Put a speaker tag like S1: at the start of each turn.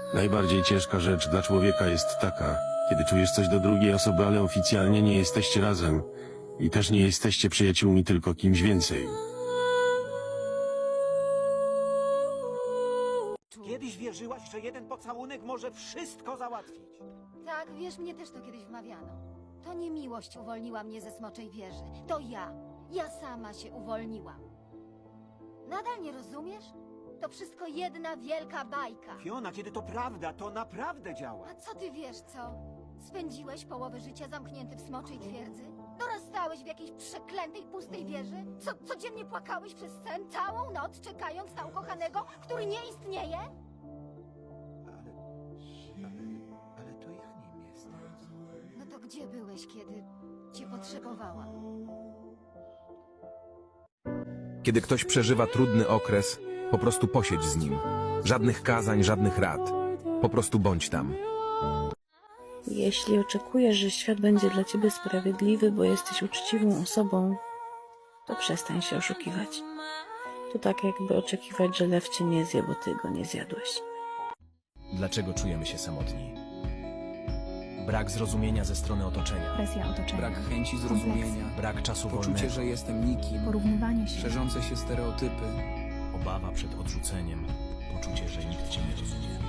S1: Najbardziej ciężka rzecz dla człowieka jest taka, kiedy czujesz coś do drugiej osoby, ale oficjalnie nie jesteście razem i też nie jesteście przyjaciółmi, tylko kimś więcej.
S2: Kiedyś wierzyłaś, że jeden pocałunek może wszystko załatwić.
S3: Tak, wiesz, mnie też to kiedyś wmawiano. To nie miłość uwolniła mnie ze smoczej wieży. To ja. Ja sama się uwolniłam. Nadal nie rozumiesz? To wszystko jedna wielka bajka.
S2: Fiona, kiedy to prawda, to naprawdę działa.
S3: A co ty wiesz, co? Spędziłeś połowę życia zamknięty w smoczej twierdzy? Dorastałeś w jakiejś przeklętej, pustej wieży? Codziennie płakałeś przez sen całą noc, czekając na ukochanego, który nie istnieje?
S2: Ale to ja nim jestem.
S3: No to gdzie byłeś, kiedy cię potrzebowałam?
S4: Kiedy ktoś przeżywa trudny okres, po prostu posiedź z nim. Żadnych kazań, żadnych rad. Po prostu bądź tam.
S5: Jeśli oczekujesz, że świat będzie dla ciebie sprawiedliwy, bo jesteś uczciwą osobą, to przestań się oszukiwać. To tak jakby oczekiwać, że lew cię nie zje, bo ty go nie zjadłeś.
S6: Dlaczego czujemy się samotni? Brak zrozumienia ze strony otoczenia.
S7: Presja otoczenia.
S8: Brak chęci zrozumienia,
S6: Brak czasu
S8: poczucie,
S6: wolnego.
S8: że jestem nikim,
S7: Porównywanie się.
S8: szerzące się stereotypy.
S6: Obawa przed odrzuceniem. Poczucie, że nikt cię nie rozumie.